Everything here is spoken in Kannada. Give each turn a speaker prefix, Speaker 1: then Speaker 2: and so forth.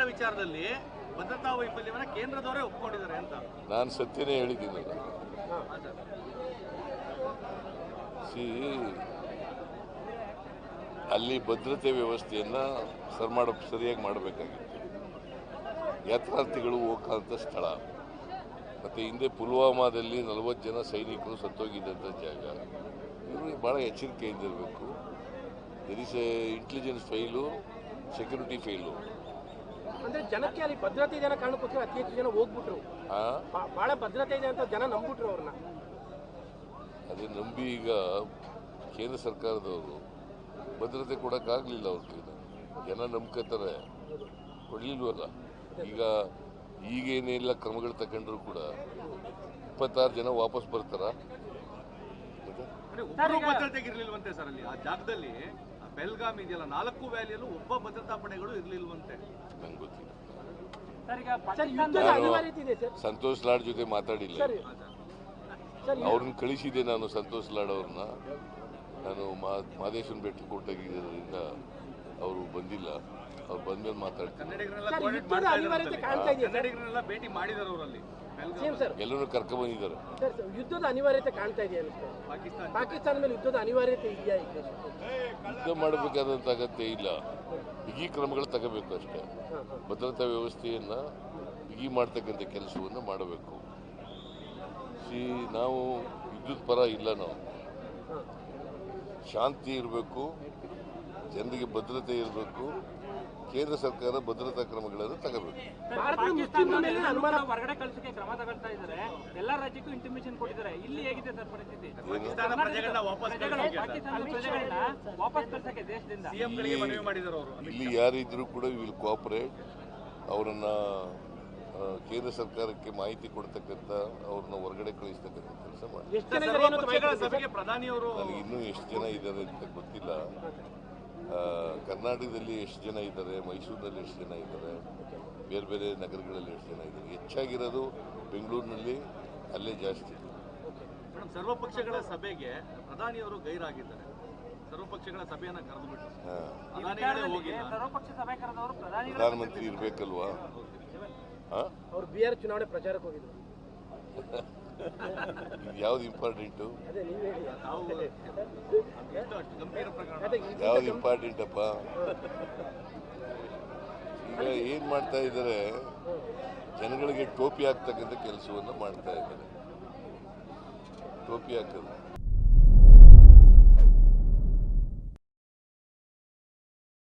Speaker 1: ವಿಚಾರದಲ್ಲಿ ಭದ್ರತಾ ವೈಫಲ್ಯವನ್ನ ಕೇಂದ್ರದವರೇ ಒಪ್ಪಿಕೊಂಡಿದ್ದಾರೆ ಅಂತ
Speaker 2: ನಾನು ಸತ್ಯನೇ ಹೇಳಿದ್ದೀನಿ. ಅಲ್ಲಿ ಭದ್ರತೆ ವ್ಯವಸ್ಥೆಯನ್ನು ಸರಿಯಾಗಿ ಮಾಡಬೇಕಾಗಿತ್ತು. ಯಾತ್ರಾರ್ಥಿಗಳು ಹೋಗಂತ ಸ್ಥಳ, ಮತ್ತು ಹಿಂದೆ ಪುಲ್ವಾಮಾದಲ್ಲಿ 40 ಜನ ಸೈನಿಕರು ಸತ್ತೋಗಿದ್ದಂಥ ಜಾಗ. ಇವರು ಭಾಳ ಎಚ್ಚರಿಕೆಯಿಂದ ಇರಬೇಕು. There is intelligence file, security file.
Speaker 3: ಅಂದ್ರೆ ಜನಕ್ಕೆ ಅಲ್ಲಿ ಭದ್ರತೆ ಇದೆ ಅನ್ನೋ ಕಾರಣಕ್ಕೋಸ್ಕರ ಅತಿ ಹೆಚ್ಚು ಜನ ಹೋಗ್ಬಿಟ್ರು. ಬಹಳ ಭದ್ರತೆ ಇದೆ ಅಂತ ಜನ ನಂಬಿಟ್ರು ಅವ್ರನ್ನ.
Speaker 2: ಅದೇ ನಂಬಿ ಈಗ ಕೇಂದ್ರ ಸರ್ಕಾರದವರು ಭದ್ರತೆ ಕೊಡೋಕ್ಕಾಗಲಿಲ್ಲ. ಅವ್ರ ಕೈಲಿ ಜನ ನಂಬ್ಕೋತಾರೆ, ಕೊಡಲಿಲ್ವಲ್ಲ. ಈಗೇನೆಲ್ಲ ಕ್ರಮಗಳು ತಗೊಂಡ್ರು ಕೂಡ 26 ಜನ ವಾಪಸ್ ಬರ್ತಾರ.
Speaker 1: ಭದ್ರತೆಗಿರ್ಲಿಲ್ವಂತೆ ಸರ್ ಅಲ್ಲಿ ಆ ಜಾಗದಲ್ಲಿ. ಬೆಲ್ಗಾಮ್ ಇದೆಯಲ್ಲ, 4 ವ್ಯಾಲಿಯಲ್ಲೂ ಒಬ್ಬ ಭದ್ರತಾ ಪಡೆಗಳು ಇರ್ಲಿಲ್ವಂತೆ. ನಂಗೆ ಗೊತ್ತಿಲ್ಲ.
Speaker 2: ಸಂತೋಷ್ ಲಾಡ್ ಜೊತೆ ಮಾತಾಡಿಲ್ಲ. ಅವ್ರನ್ನ ಕಳಿಸಿದೆ ನಾನು, ಸಂತೋಷ್ ಲಾಡ್ ಅವ್ರನ್ನ. ನಾನು ಮಾದೇಶ್ವರನ ಬೆಟ್ಟ ಕೊಟ್ಟಾಗಿದ್ದರಿಂದ ಅವರು ಬಂದಿಲ್ಲ. ಅವ್ರು ಬಂದ್ಮೇಲೆ ಮಾತಾಡ್ತೀನಿ.
Speaker 1: ಭೇಟಿ ಮಾಡಿದಾರೆ ಅವರಲ್ಲಿ,
Speaker 2: ಎಲ್ಲರೂ ಕರ್ಕೊಂಡ್ ಬಂದಿದ್ದಾರೆ.
Speaker 3: ಯುದ್ಧದ ಅನಿವಾರ್ಯತೆ ಕಾಣ್ತಾ ಇದೆಯಾ? ಪಾಕಿಸ್ತಾನ ಮೇಲೆ ಯುದ್ಧದ ಅನಿವಾರ್ಯತೆ ಇದೆಯಾ?
Speaker 2: ಯುದ್ಧ ಮಾಡಬೇಕಾದಂತ ಅಗತ್ಯ ಇಲ್ಲ. ಬಿಗಿ ಕ್ರಮಗಳು ತಗೋಬೇಕು ಅಷ್ಟೇ. ಭದ್ರತಾ ವ್ಯವಸ್ಥೆಯನ್ನ ಬಿಗಿ ಮಾಡ್ತಕ್ಕಂಥ ಕೆಲಸವನ್ನು ಮಾಡಬೇಕು. ನಾವು ಯುದ್ಧದ ಪರ ಇಲ್ಲ. ನಾವು ಶಾಂತಿ ಇರಬೇಕು, ಜನರಿಗೆ ಭದ್ರತೆ ಇರಬೇಕು. ಕೇಂದ್ರ ಸರ್ಕಾರ ಭದ್ರತಾ ಕ್ರಮಗಳನ್ನು ತಗೋಬೇಕು.
Speaker 4: ಹೊರಗಡೆ ಕಳಿಸಕ್ಕೆ ಕ್ರಮ ತಗೊಳ್ತಾ ಇದ್ದಾರೆ. ಎಲ್ಲಾ ರಾಜ್ಯಕ್ಕೂ ಇಂಟಿಮೇಷನ್ ಕೊಟ್ಟಿದ್ದಾರೆ. ಇಲ್ಲಿ ಹೇಗಿದೆ ಸರ್ ಪರಿಸ್ಥಿತಿ? ವಾಪಸ್ ಕಳಿಸಕ್ಕೆ ದೇಶದಿಂದ
Speaker 2: ಇಲ್ಲಿ ಯಾರಿದ್ರು ಕೂಡ ವಿಲ್ ಕೋಆಪರೇಟ್. ಅವರನ್ನ ಕೇಂದ್ರ ಸರ್ಕಾರಕ್ಕೆ ಮಾಹಿತಿ ಕೊಡ್ತಕ್ಕಂಥ, ಅವ್ರನ್ನ ಹೊರಗಡೆ ಕಳಿಸ್ತಕ್ಕಂಥ ಕೆಲಸ ಮಾಡಿ. ನನಗೆ ಇನ್ನೂ ಎಷ್ಟು ಜನ ಇದ್ದಾರೆ ಅಂತ ಗೊತ್ತಿಲ್ಲ. ಕರ್ನಾಟಕದಲ್ಲಿ ಎಷ್ಟು ಜನ ಇದ್ದಾರೆ, ಮೈಸೂರಿನಲ್ಲಿ ಎಷ್ಟು ಜನ ಇದ್ದಾರೆ, ಬೇರೆ ಬೇರೆ ನಗರಗಳಲ್ಲಿ ಎಷ್ಟು ಜನ ಇದ್ದಾರೆ. ಹೆಚ್ಚಾಗಿರೋದು ಬೆಂಗಳೂರಿನಲ್ಲಿ, ಅಲ್ಲೇ ಜಾಸ್ತಿ.
Speaker 1: ಸರ್ವಪಕ್ಷಗಳ ಸಭೆಗೆ ಪ್ರಧಾನಿಯವರು ಗೈರಾಗಿದ್ದಾರೆ. ಸರ್ವಪಕ್ಷಗಳ ಸಭೆಯನ್ನ ಕರೆದುಬಿಟ್ಟು
Speaker 2: ಪ್ರಧಾನಮಂತ್ರಿ ಇರ್ಬೇಕಲ್ವಾ?
Speaker 3: ಅವರು ಬಿಹಾರ ಚುನಾವಣೆ ಪ್ರಚಾರಕ್ಕೆ ಹೋಗಿದ್ರು.
Speaker 2: ಯಾವ್ದು ಇಂಪಾರ್ಟೆಂಟು? ಯಾವ್ದು ಇಂಪಾರ್ಟೆಂಟ್ ಅಪ್ಪ? ಈಗ ಏನ್ ಮಾಡ್ತಾ ಇದ್ದಾರೆ, ಜನಗಳಿಗೆ ಟೋಪಿ ಹಾಕ್ತಕ್ಕಂಥ ಕೆಲಸವನ್ನು ಮಾಡ್ತಾ ಇದ್ದಾರೆ. ಟೋಪಿ ಹಾಕೋದು